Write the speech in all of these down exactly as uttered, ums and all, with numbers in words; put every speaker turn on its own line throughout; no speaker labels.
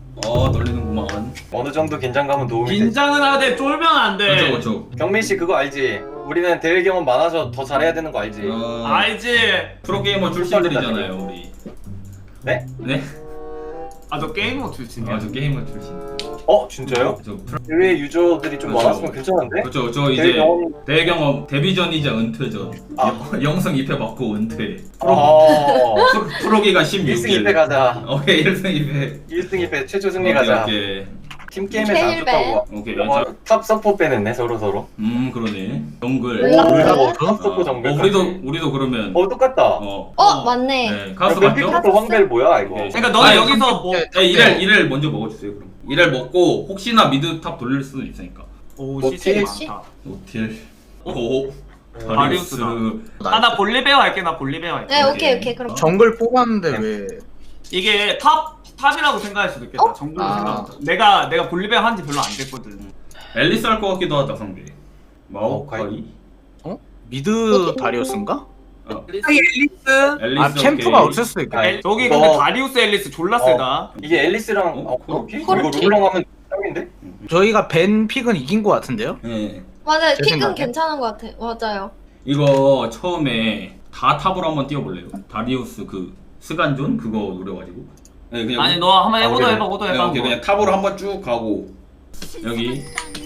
어 떨리는구만.
어느 정도 긴장감은 도움이 되지.
긴장은 하되 쫄면 안 돼.
그렇죠 그렇죠.
경민 씨 그거 알지? 우리는 대회 경험 많아서 더 잘해야 되는 거 알지?
어,
알지?
프로게이머 출신들이잖아요 우리.
네?
네?
아 저 게이머 출신이야.
아저 게이머 출신.
어 진짜요?
저 프로...
대회 유저들이 좀
그렇죠.
많았으면 괜찮은데?
그렇죠. 저
대회
이제
경험.
대회 경험 데뷔전이자 은퇴전.
아.
영- 영성 이 패 받고 은퇴.
어.
프로, 프로기가 십육 일.
일 승 이 패 가자.
오케이 일 승 이 패.
일 승 이 패 최초 승리 가자.
오케이
팀 게임에서 안
제일
좋다고.
오케이.
어,
자,
탑 서포 빼냈네 서로 서로.
음 그러네. 정글.
몰라.
우리가 뭐
어,
탑 서포 정글.
어, 우리도 우리도 그러면
어 똑같다.
어.
어 맞네.
네, 가수
야,
맞죠?
맵피부터 황벨 뭐야 이거?
오케이.
그러니까 너는
아니,
여기서 뭐
네, 이를 이를 먼저 먹어주세요 그럼. 이를 먹고 혹시나 미드 탑 돌릴 수도 있으니까.
오
뭐
시즌이
티?
많다.
오틸. 오.
다리우스다. 아나 볼리베어 할게. 나 볼리베어 할게.
네 오케이 오케이 그럼.
정글 뽑았는데 왜?
이게 탑 탑이라고 생각할 수도 있겠다.
어?
정글로
아.
생각하자. 내가 내가 볼리베어 한지 별로 안 됐거든.
앨리스 할 것 같기도 하다 상대.
어,
마오카이.
미드 다리우스인가?
어,
앨리스.
앨리스.
아 캠프가
오케이.
없을 수도 있겠다.
아니,
저기
이거-
근데 다리우스 앨리스 졸라 세다.
이게 앨리스랑
어?
어, 코르키? 이거
코르키?
르블랑 하면 짱인데?
저희가 벤 픽은 이긴 것 같은데요?
네.
맞아요.
제
픽은
생각에.
괜찮은 것 같아. 맞아요.
이거 처음에 다 탑으로 한번 뛰어볼래요? 다리우스 그 스간존 그거 노려가지고. 네 그냥.
아니 너 한번
아,
해보도
그래.
해봐. 오도
네,
해봐.
오케이 그냥 탑으로 한번 쭉 가고 여기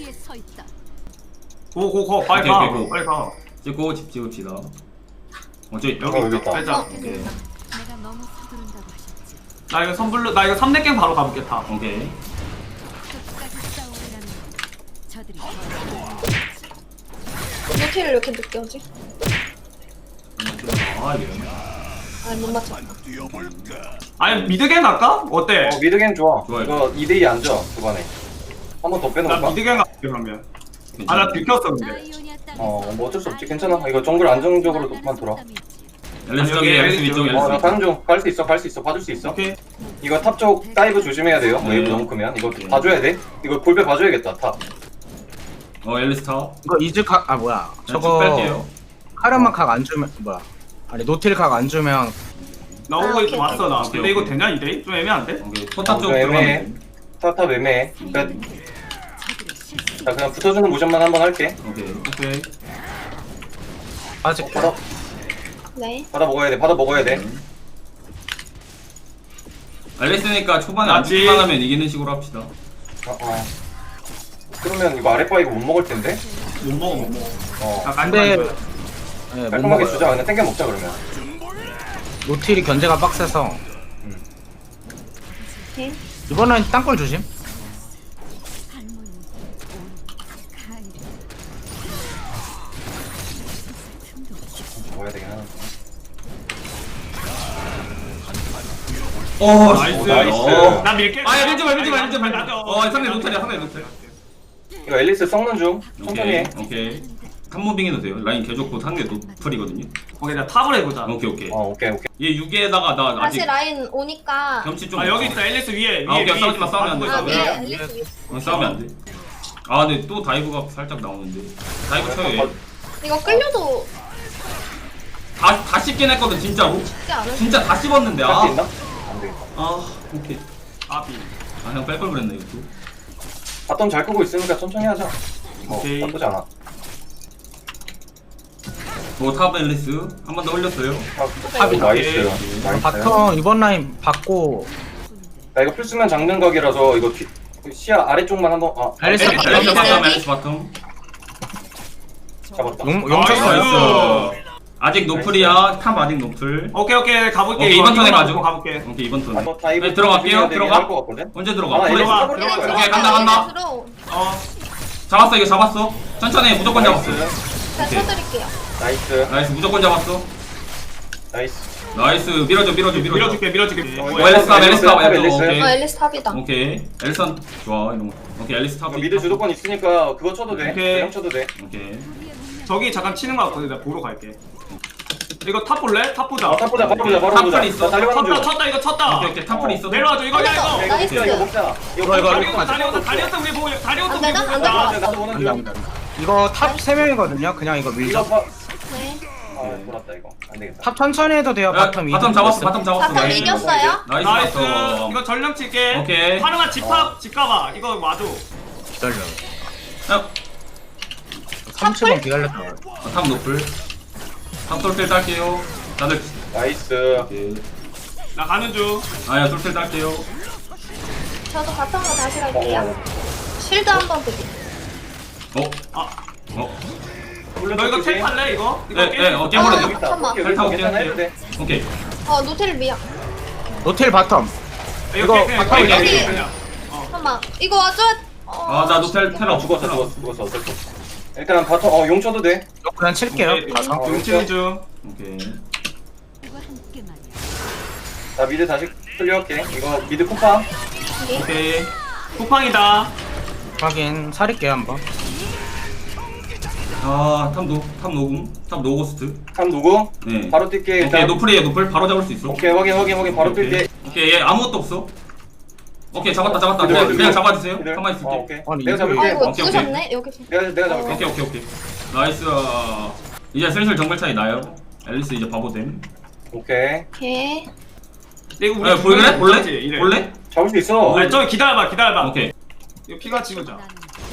고고고 빨리
오케이,
가.
오케이, 고.
빨리 가.
찍고 집 찍읍시다. 어 저기
여기
어, 여기
있다.
있다.
빼자.
어,
오케이.
내가 너무 서두른다고 하셨지.
나 이거 선불로 나 이거 삼 렙갱 바로 가볼게 다.
오케이.
끝까지 싸우리라는 저들이
노티를 이렇게 늦게 오지?
아 이게.
아니 못 맞췄다.
아니 미드갱 갈까? 어때?
어 미드갱 좋아.
좋아요.
이거 이 대 이 앉아 초반에. 한 번 더
나
빼놓을까?
미드갱 갈게 그러면. 아 나 들켰어 근데.
어, 뭐 어쩔 수 없지. 괜찮아. 이거 정글 안정적으로만 돌아.
앨리스
여기
저기 앨리스
앨리스
위쪽
여기.
앨리스
어, 나
위쪽.
다른 중 갈 수 있어. 갈 수 있어. 봐줄 수 있어.
오케이.
이거 탑 쪽 다이브 조심해야 돼요.
네.
웨이브 너무 크면 이거
오케이.
봐줘야 돼. 이거 볼배 봐줘야겠다. 탑.
어 앨리스 탑.
이거 이즈 각아 뭐야?
저거
저거
뺄게요.
카르마 각안 주면 뭐야? 아니 노틸 각 안 주면
나
아,
오고
오케이,
있어 왔어 나.
오케이,
근데 이거
오케이.
되냐 이대? 좀 애매한데?
오케이. 포탑
어,
쪽
좀 애매해.
들어가면 돼.
탑탑 애매해. 그러니까 자 그냥 붙어주는 모션만 한번 할게.
오케이.
오케이.
아직
받아
네.
받아 먹어야 돼. 받아 먹어야 돼.
앨리스니까 초반에 안
맞지?
죽기만 하면 이기는 식으로 합시다.
어, 어. 그러면 이거 아랫바 이거 못 먹을 텐데.
못 먹어 못 먹어.
어.
자
근데
깔끔하게.
네, 못
깔끔하게
먹어요.
주자. 그냥 땡겨 먹자 그러면.
노틸이 견제가 빡세서
오케이.
이번엔 땅굴 조심.
할머니 가을
먹어야 되긴 하는데.
오
나이스.
오, 나이스.
어.
나 밀게.
아 밀지 마 밀지 마 밀지 마.
나도.
어 상대 노탈이야 상대 노탈.
이거 앨리스 썩는 중. 천천히 해.
오케이 오케이. 탑무빙 해도 돼요. 라인 개 좋고 상대 노플이거든요.
오케이 나 탑을 해보자.
오케이 오케이.
어 오케이 오케이.
얘 육 위에다가 나 아직
다시 라인 오니까.
경치 좀.
아 여기 있다 앨리스 위에 위에
아, 오케이,
위에
싸우지 마,
있어.
싸우면 안 돼,
아
싸우면
위에
안
돼.
앨리스 위에.
어, 싸우면 안 돼. 아 근데 또 다이브가 살짝 나오는데. 다이브 쳐요 얘.
이거 끌려도
다, 다 씹긴 했거든 진짜로.
쉽지 않을.
진짜 다 씹었는데
할 수
아.
있나? 안 되겠다.
아 오케이.
아비.
아 그냥 뺄걸 그랬네 이것도.
바텀 잘 끄고 있으니까 천천히 하자. 어
오케이.
나쁘지 않아.
뭐탑 앨리스 한 번 더 올렸어요.
탑이 나이스.
오케이.
나이스.
바텀 이번 라인 받고
나 이거 필수면 장는 각이라서 이거 피, 시야 아래쪽만 한번 아
앨리스
앨리스
앨리스
바텀
앨리스
앨리스 바텀.
잡았다.
용
나이스.
용쳤어.
나이스. 아직 노플이야. 탑 아직 노플.
오케이 오케이 가볼게.
오케이,
이거
이번 턴에
이거만
가죠.
보고 가볼게.
오케이 이번 턴.
한번 다이브
네, 들어갈게요. 들어가.
할것 같거든.
언제 들어가?
아,
플레이-
앨리스
들어가.
탑을
이거
들어가야
들어가.
돼.
오케이, 간다, 간다.
들어.
어.
잡았어 이거 잡았어. 천천히 해, 무조건 잡았어.
자
오케이.
쳐드릴게요.
나이스
나이스 무조건 잡았어.
나이스.
나이스 밀어줘 밀어줘 밀어줘.
밀어줄게 밀어줄게.
어,
오 앨리스 탑 앨리스 탑
앨리스.
앨리스.
어
오케이
앨리스 탑이다.
오케이 앨리스 좋아 이런 거. 오케이 앨리스 탑.
이거 미드 주도권 있으니까 그거 쳐도 돼.
오케이.
그냥 쳐도 돼.
오케이.
저기 잠깐 치는 거 같거든. 나 보러 갈게. 이거 탑 볼래? 탑 보자.
아, 탑 보자. 바로 보자. 바로
탑플
보자.
있어.
나 달려가는
쳤다
중.
쳤다 이거 쳤다.
오케이 오케이 탑플 있어.
내려와줘 이거 야
올렸어.
이거.
이거
나이스.
먹자. 이거 먹자.
이거, 이거,
다리우스 다리우스 다리우스 우리 보고 다리우스
안
우리
되나?
보고
안 될 것
있다.
같아.
나도 오는
안돼
중.
안돼. 이거 탑 세 명이거든요. 그냥 이거 밀자.
이거 봐.
네.
아
오케이.
돌았다 이거. 안 되겠다.
탑 천천히 해도 돼요.
야,
바텀
바텀 잡았어 바텀 잡았어.
바텀
나이스.
이겼어요?
나이스
나이스.
바텀.
이거 전령 칠게.
오케이.
하루만 집합 집 가봐. 이거 와줘.
기다려.
야,
삼십 분 기다렸다.
탑 노플. 탑 솔텔 딸게요. 다들.
나이스.
오케이.
나 가는 중.
아야 솔텔 딸게요.
저도 바텀으로 다시
어,
갈게요. 쉴드 한번 드리.
어?
아,
어?
너 이거 텔 탈래 이거? 이거
예,
게임
예, 어,
아,
깨버려.
여기 있다.
잠깐만.
오케이,
잘 타고
여기 괜찮아
깨요.
해도 돼.
오케이.
어 노텔 미야.
노텔 바텀.
이거
이거
그냥
바텀
그냥
여기.
그냥. 어.
잠깐만 이거 와줘. 어.
아, 나 노텔 테라
아 죽었어
테라.
죽었어 죽었어 어쩔 수 없어. 일단 바텀 어 용 쳐도 돼.
이거 그냥 칠게요.
오케이.
가서.
어,
용치는 중.
오케이.
이거 함께 말이야.
나 미드 다시 클리어할게. 이거 미드 쿠파.
오케이.
오케이.
쿠팡이다.
확인. 살릴게요 한번.
아, 탑 노, 탑 노궁, 탑 노고스트.
참 누구?
네.
바로 뛸게
오케이,
일단.
노플이에요, 노플. 바로 잡을 수 있어.
오케이 확인 확인 확인 바로
오케이,
뛸게.
오케이, 얘 아무것도 없어. 오케이, 잡았다, 잡았다.
얘들,
그냥,
얘들,
그냥
얘들.
잡아주세요.
얘들.
가만히 있을게.
어, 오케이.
아니,
내가
이거-
잡을게.
아이고
오케이, 오케이.
죽으셨네 여기서.
내가 내가 잡을게.
오케이, 오케이, 오케이. 나이스. 이제 슬슬 정글 차이 나요. 앨리스 이제 바보됨.
오케이.
오케이.
이거 우리
야, 볼래?
중간에
볼래?
있지, 이래.
볼래?
잡을 수 있어.
아니 저 기다려봐 기다려봐.
오케이.
이거 피가 찍으자.
나는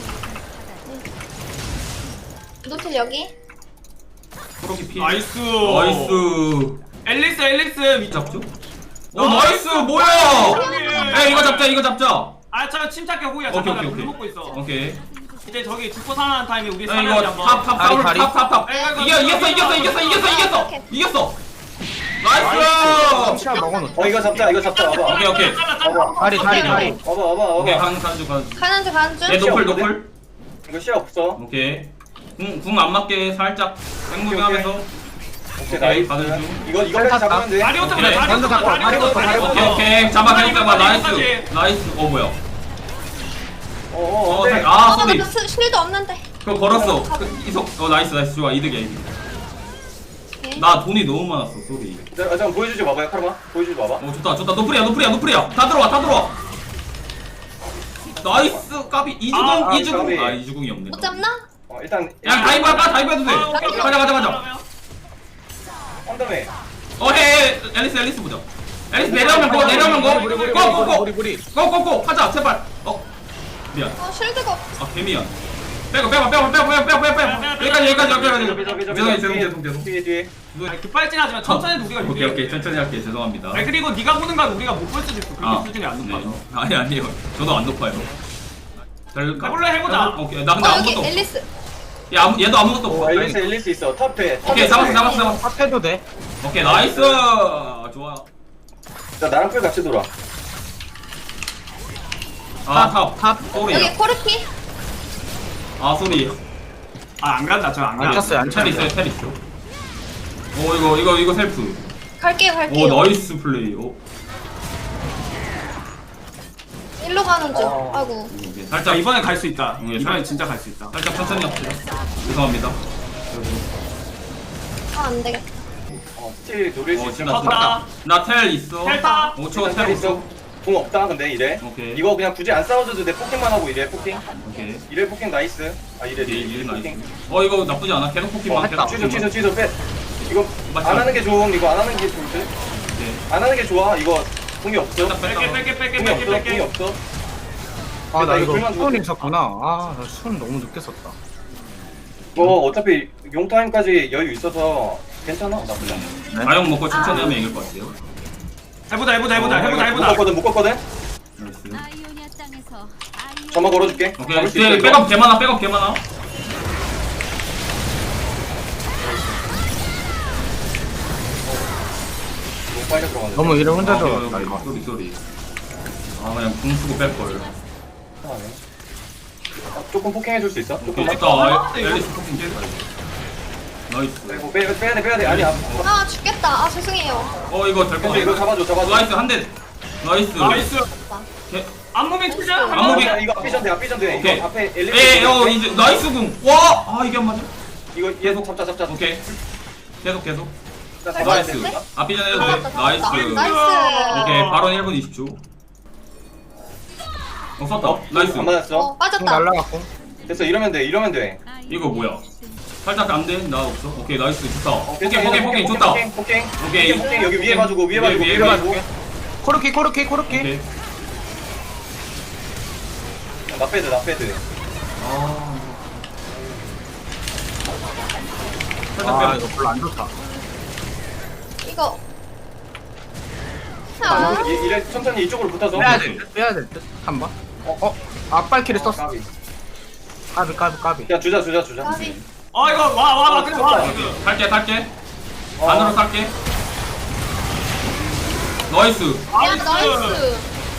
노텔 여기.
프로키 피.
나이스.
나이스.
앨리스 앨리스 미-
잡죠? 오, 나이스. 뭐야? 에, 이거 잡자, 이거 잡자.
아, 저 침착해 호이야.
오케이,
잠깐 나
오케이,
물
오케이.
먹고 있어.
오케이.
이제 저기 죽고 살아나는 타임에 우리
야,
살려야지
이거
한번.
탑, 탑,
다리,
탑,
다리.
탑, 탑, 탑.
이거,
이겨,
이거,
이겼어, 이겼어, 이겼어, 이겼어, 이겼어.
오케이.
이겼어. 나이스.
시야 먹어놓자.
어 이거 잡자 이거 잡자 와봐.
오케이, 오케이.
와봐.
다리 다리 다리.
와봐 와봐
오케이,
와봐.
가는 가는 가는.
가는 중 가는 중.
얘 노플,
없거든?
노플.
이거 시야 없어.
오케이. 궁, 궁 안 맞게 살짝 땡무빙하면서.
오케이
오케이,
나이스.
가는 중.
이거 이거까지 잡으면 돼.
다리부터
그래,
그래.
먼저
다리부터
잡고, 다리부터, 다리부터.
오케이, 오케이. 잡아, 그냥 잡아. 나이스.
다리부터.
나이스. 어, 뭐야?
어어
어,
네.
살- 아,
어,
소리.
나 스- 쉴드 없는데.
그거 걸었어. 그, 이석. 어, 나이스, 나이스. 좋아. 이득이야, 이득.
오케이.
나 돈이 너무 많았어, 소리.
자, 잠깐 보여주지 마봐요 카르마. 보여주지 마봐.
어, 좋다, 좋다. 노플이야, 노플이야, 노플이야. 다 들어와, 다 들어와. 나이스. 까비. 이주궁,
아,
이주궁.
까비.
아, 이주궁이 없네.
못 잡나?
어 일단
야, 다이브 할까? 다이브 해도 돼.
아, 오케이, 오케이.
가자, 가자, 가자.
한다음에
어, 해, 해. 앨리스, 앨리스 보자. 앨리스 내려오면 거, 내려오면 거.
우리 우리 우리
고, 고, 고.
우리 우리.
고고고 하자 제발. 어 미안.
어 쉴드가 없.
아 개미안. 빼고 빼고 빼고 빼고 빼고 빼고 빼고 빼고 여기까지 여기까지 여기까지. 죄송해요 죄송 죄송 죄송.
뒤에 뒤에.
아니, 급발진하지 마. 천천히 해도 우리가
오케이
유리해.
오케이 천천히 할게 죄송합니다.
아니 그리고 네가 보는 건 우리가 못 볼 수도 있어. 그렇게
아,
수준이 안 높아서.
네. 아니 아니에요. 저도 안 높아요. 될까?
해볼래? 해보자.
오케이 나 근데
어 여기
아무것도 없어.
앨리스.
얘 아무 얘도 아무것도
오
없어.
앨리스 앨리스 있어. 탑에.
오케이 잡았어 잡았어 잡았어.
탑해도 돼.
오케이 나이스 좋아.
자 나랑 풀 같이 돌아.
아탑
탑.
소리.
여기 코르키.
아 소리.
아안 간다. 저안
안
간다.
찼어요 안
텔
찼어요.
있어요 텔 있어. 오 이거 이거 이거 셀프.
갈게요 갈게요.
오 나이스 플레이. 오.
일로 가는 중.
어.
아이고.
오케이,
자
살짝
이번에 갈 수 있다.
응,
이번에
살-
진짜 갈 수 있다.
살짝 천천히 합시다. 죄송합니다.
아 안 되겠다.
어 스틸 노릴 수
어,
있어.
진짜
컸다.
나텔 있어.
텔 타.
오 초
일단
텔
있어.
있어.
공 없다 근데 이래.
오케이.
이거 그냥 굳이 안 싸워줘도 돼. 포킹만 하고 이래 포킹.
오케이.
이래 포킹 나이스. 아 이래
오케이,
이래
일 나이스.
포킹.
어 이거 나쁘지 않아. 계속 포킹만.
어,
계속
취소
포킹만.
취소 취소 빼. 이거
맞죠?
안 하는 게 좋음. 이거 안 하는 게 좋을 듯.
오케이.
안 하는 게 좋아. 이거 공이 없어.
뺐다, 뺐다.
뺄게 뺄게 뺄게
공이
뺄게
없어. 공이
뺄게.
없어.
아나
이거
이거
풀만
수은
줘도
있었구나. 아나 수은 너무 늦게 썼다.
이거 어차피 용 타임까지 여유 있어서 괜찮아. 나쁘지 않아.
가용 먹고 천천히 하면 이길 것 같아요.
해보자 해보자 해보자
어,
해보자 해보자.
묶었거든 묶었거든.
나이스.
아이오니아 땅에서 아이오니아
점화 걸어줄게.
오케이.
잡을 수 있어,
뒤에
이거.
백업 개 많아. 백업 개 많아.
너무 빨리 들어가네.
너무 이를 혼자
아,
들어갔다
오케이,
이거.
오케이. 소리 소리. 아 그냥 궁 쓰고 뺄 걸.
하네. 아, 조금 포킹해줄 수 있어?
오케이.
조금만.
일단 앨리스 포킹 깼다. 나이스.
이거 빼, 빼야 돼 빼야 돼. 아니야.
아 죽겠다. 아 죄송해요.
어 이거 될 것
근데 이거
같아.
잡아줘 잡아줘.
나이스 한 대. 나이스.
나이스.
개-
안무빙 투자.
안무빙.
아, 이거 앞비전 돼 앞비전 돼.
오케이.
이거 앞에 엘리베이터.
에이 어 이제 나이스 궁. 와. 아 이게 안 맞아.
이거 계속 잡자 잡자.
오케이. 계속 계속.
나 잡아야
나이스.
돼.
앞비전 해도 돼.
잡았다, 잡았다.
나이스.
나이스.
오케이. 바로 일 분 이십 초. 어 썼다. 나이스.
안 맞았어.
어
공
빠졌다.
날라갔고.
됐어 이러면 돼 이러면 돼.
이거 뭐야? 살짝 안돼 나 없어. 오케이 나이스 좋다.
어,
오케이
괜찮아,
포켓 포켓 좋다.
포켓 포켓
오케이.
포켓 포켓 여기 위에 봐주고 위에 봐주고
위에,
위에
위에
봐주고
코르키 코르키 코르키.
오케이.
나 패드 나 패드
아. 살짝
아
빼라.
이거 별로 안 좋다.
이거. 아,
이- 이래 천천히 이쪽으로 붙어서
빼야 될 듯. 빼야 될 듯. 한 번. 어 어. 앞발키를
어,
썼어.
까비.
까비 까비 까비.
그냥 주자 주자 주자
까비.
어 이거 와 와 와 그냥 와 지금.
탈게 탈게.
어.
안으로 탈게. 나이스.
야, 나이스.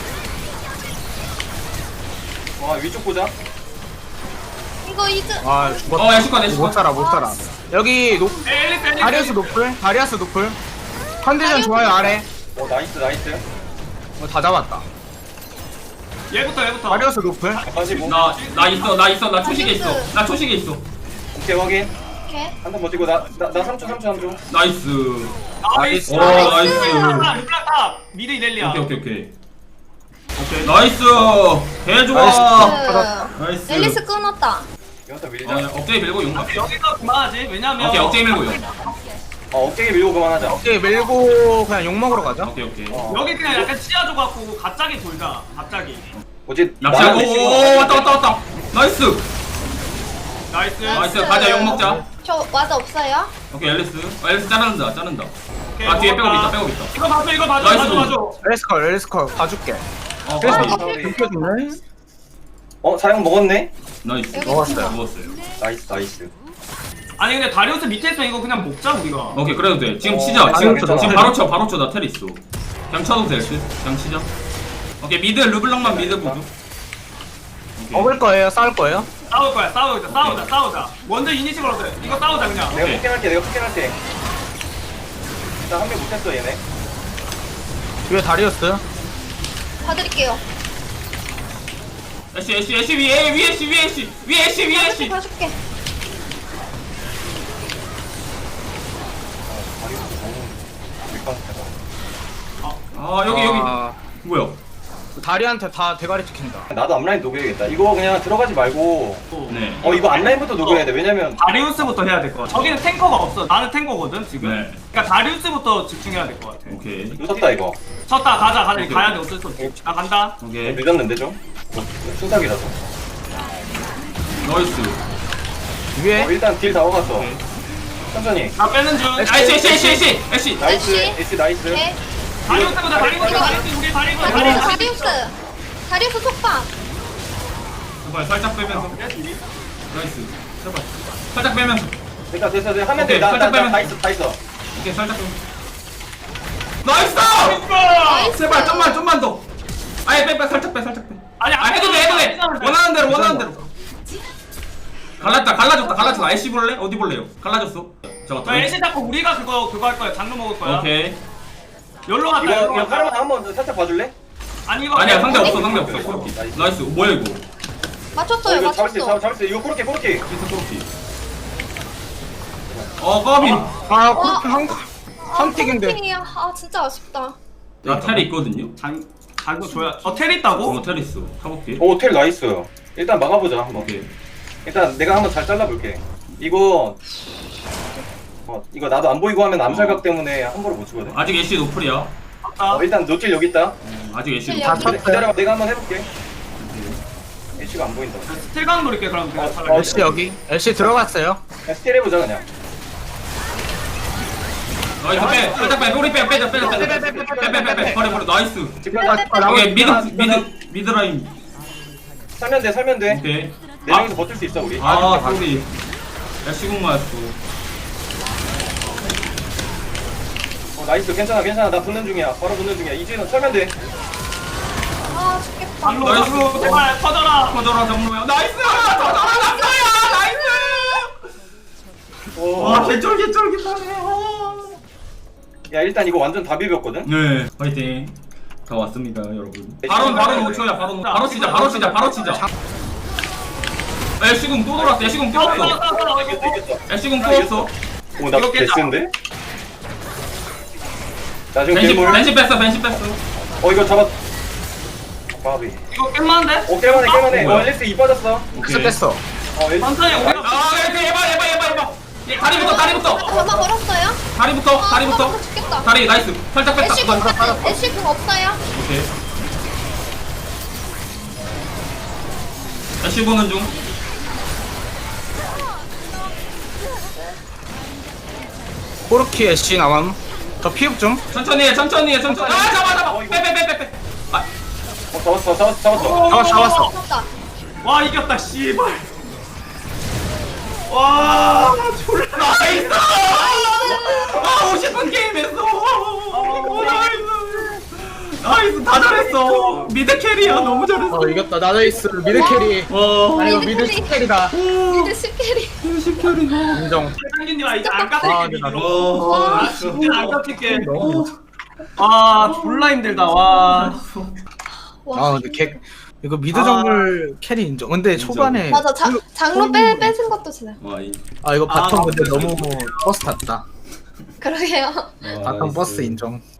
와 위쪽 보자
이거 이즈.
아 죽었다.
어 애쉬컷 애쉬컷.
못 살아 못 살아. 여기 높.
엘리스 엘리스.
다리아스 노플. 다리아스 노플. 컨디션 좋아요 아래.
어 나이스 나이스
어, 다 잡았다.
얘부터 얘부터.
다리아스 노플.
빠지고
나 나 있어 나 있어 나 초식에 있어. 나 초식에 있어.
오케이 확인
오케이.
한 번 버티고 나나 삼 초 삼 초 삼 초
나이스.
나이스.
오 나이스.
루플라탑 미드 이렐리아.
오케이 오케이 오케이.
오케이.
나이스. 개 좋아.
나이스.
나이스.
앨리스 끊었다.
이것도
어,
밀자
그냥 억제에 밀고 용 갈게.
여기서 그만하지. 왜냐면.
오케이 억제에 밀고 용.
어 어깨에 밀고 그만하자
오케이 밀고 그냥 욕 먹으러 가자.
오케이 오케이.
어.
여기 그냥 약간 치아줘 갖고 갑자기 돌자. 갑자기.
뭐지
납치하고
나는
오 왔다 왔다 왔다. 나이스.
나이스.
나이스. 가자, 욕 먹자.
저 와드 없어요?
오케이 앨리스. 어, 앨리스 자른다 자른다.
오케이,
아 뒤에
먹었다.
백업 있다 백업 있다.
이거 봐줘 이거 봐줘
나이스.
봐줘 봐줘.
엘스컬 엘스컬 봐줄게.
어
그래서
까비.
까비.
느껴주네.
어 사용 먹었네
나이스.
여기
먹었어요.
먹었어요.
나이스 나이스
아니 근데 다리우스 밑에 있으면 이거 그냥 먹자 우리가.
오케이 그래도 돼. 지금
어,
치자.
괜찮아,
지금
괜찮아.
지금 바로 쳐 바로 쳐. 나 텔 있어. 그냥 쳐도 될 듯. 그냥 치자. 오케이 미드 르블랑만 미드 보죠. 오케이.
먹을 거예요? 싸울 거예요?
싸울 거야 싸우자 싸우자 싸우자. 먼저 이니시브로 돼. 이거 싸우자 그냥.
내가
오케이.
포켓할게 내가 포켓할게 일단 한 명 못했어 얘네
뒤에 다리우스.
봐드릴게요.
애쉬 애쉬 애쉬 위에 위에 애쉬 위에 애쉬 위에 애쉬 위에
봐줄게,
애쉬.
봐줄게.
아 여기 여기
아,
뭐야?
다리한테 다 대가리 찍힌다.
나도 앞라인 녹여야겠다 이거 그냥 들어가지 말고
네.
어 이거 앞라인부터 녹여야 돼 왜냐면
다리우스부터 해야 될 것 같아. 저기는 탱커가 없어. 나는 탱커거든 지금.
네.
그러니까 다리우스부터 집중해야 될 것 같아.
오케이
늦었다 이거
쳤다 가자 가자
오케이.
가야 돼 어쩔 수 없어. 나 간다.
오케이
늦었는데 좀 순삭이라서
나이스.
위에
어, 일단 딜 다 먹었어
오케이.
천천히
나 빼는 중.
아 애쉬 애쉬 애쉬 애쉬 애쉬.
나이스
애쉬.
애쉬 나이스
오케이.
다리우스보다 다리우스
이거.
다리우스 우리 다리우스
다리우스,
다리우스.
다리우스. 다리우스 속박.
제발 살짝 빼면서. 나이스. 제발 살짝 빼면서.
됐다 됐어 됐어 하면
오케이, 살짝
돼나나다
빼면
있어 다 있어
오케이 살짝 빼. 나이스.
나이스.
제발 좀만 좀만 더. 아예 빼빼 살짝 빼 살짝 빼.
아니
아 해도 돼 해도 돼. 원하는 대로 원하는 대로. 갈랐다 갈라졌다 갈라졌다. 애쉬 볼래? 어디 볼래요? 갈라졌어. 저거
저 애쉬 잡고 우리가 그거 그거 할 거야. 장르 먹을 거야.
오케이.
열로 갔다.
이거
열로
이거
갔다.
하나만 한번 살짝 봐줄래?
아니 이거
아니야 상대
그냥
없어 상대
오케이,
없어.
오케이,
코르키.
나이스.
나이스. 뭐야 이거?
어
맞췄어요,
이거 잡을 수 있어
맞췄어.
잡을 수 있어 이거 코르키 코르키
피스 코르키. 어 까비.
아 그렇게 한 선택인데.
선택이야. 아, 진짜 아쉽다.
나 텔이 있거든요.
장 장구 줘야. 어텔 있다고?
어 텔 있어. 타볼게.
오 텔 나이스 일단 막아보자 한번
오케이.
일단 내가 한번 잘 잘라볼게 이거 어 이거 나도 안 보이고 하면 암살각 때문에 함부로 못 주거든
아직 애쉬 노플이야.
맞다.
어 일단 노틸 여기 있다
아직 애쉬
다
노플.
기다- 기다려봐 내가 한번 해볼게 애쉬가 안 보인다
스틸강 노릴게 그럼 그냥
어,
차라리.
어,
엘씨 여기. 엘씨 들어갔어요.
그냥 스틸 해보자 그냥
나이스 빼. 살짝 빼. 우리 빼. 빼자 빼자 빼자. 빼빼빼빼. 버려 버려. 나이스.
집가자
아,
오케이 미드
나-
미드 미드 라인.
살면 돼 살면 돼네
오케이.
명이서 버틸 수 있어 우리
아 소리. 애쉬궁 맞았어.
어, 나이스 괜찮아 괜찮아 나 붙는 중이야 바로 붙는 중이야 이제는 살면 돼
아, 죽겠다.
장로
나이스.
장로 제발 터져라.
터져라 정로야. 나이스. 터져라 남자야. 나이스.
오.
와 개쫄깃쫄깃하네.
야 일단 이거 완전 다 비볐거든
네. 파이팅. 다 왔습니다 여러분. 바로 바로 오 초야 바로 바로 치자 바로 치자 바로 치자. 애쉬궁 또 돌았어. 애쉬궁 또 왔어.
이겼어 이겼어
애쉬궁 또 왔어.
오나
이거 깼다.
데스인데? 나 지금
벤시
괴물
벤시 뺐어 벤시 뺐어.
어 이거 잡았 바비
이거 깰만한데?
오 깰만해 깰만해
뭐야?
어 앨리스 이 빠졌어
뺐어 뺐어.
어 엘-
천천히 우리가
아 그래 해봐 해봐 해봐 해봐. 예, 다리부터 다리부터
가마 걸었어요?
다리부터
아,
다리부터.
나 죽겠다.
다리 나이스. 살짝 뺐다.
애쉬 궁 같은 애쉬 궁 없어요?
오케이. 애쉬 보는 중.
코르키 애쉬 나감. 저 피흡 좀.
천천히 해 천천히 해 천천히. 아 잡아 잡아. 빼 빼 빼 빼. 아
어, 잡았어 잡았어 잡았어
잡았어 잡았어.
잡았다.
와 이겼다 씨발. 와 졸라
나이스. 아 오십 분 게임했어. 오, 나이스. 나이스 다 잘했어. 미드 캐리야 너무 잘했어.
어 이겼다. 나이스 미드 캐리.
와.
아니 이거
미드
미드
캐리.
캐리다.
미드 십캐리.
오십 캐리가.
인정.
상균님 아 이제 안
아,
깎을게
근데 나
미드로.
와.
아 진짜 안 깎을게. 아 졸라 힘들다 와.
와.
아 근데 개 이거 미드 정글 캐리 인정. 근데 초반에
맞아. 자,
그-
장로 빼 뺏은 것도 진짜.
와 이.
아 이거
아,
바텀 근데
맞네.
너무 버스 탔다.
그러게요.
와,
바텀
나이스.
버스 인정.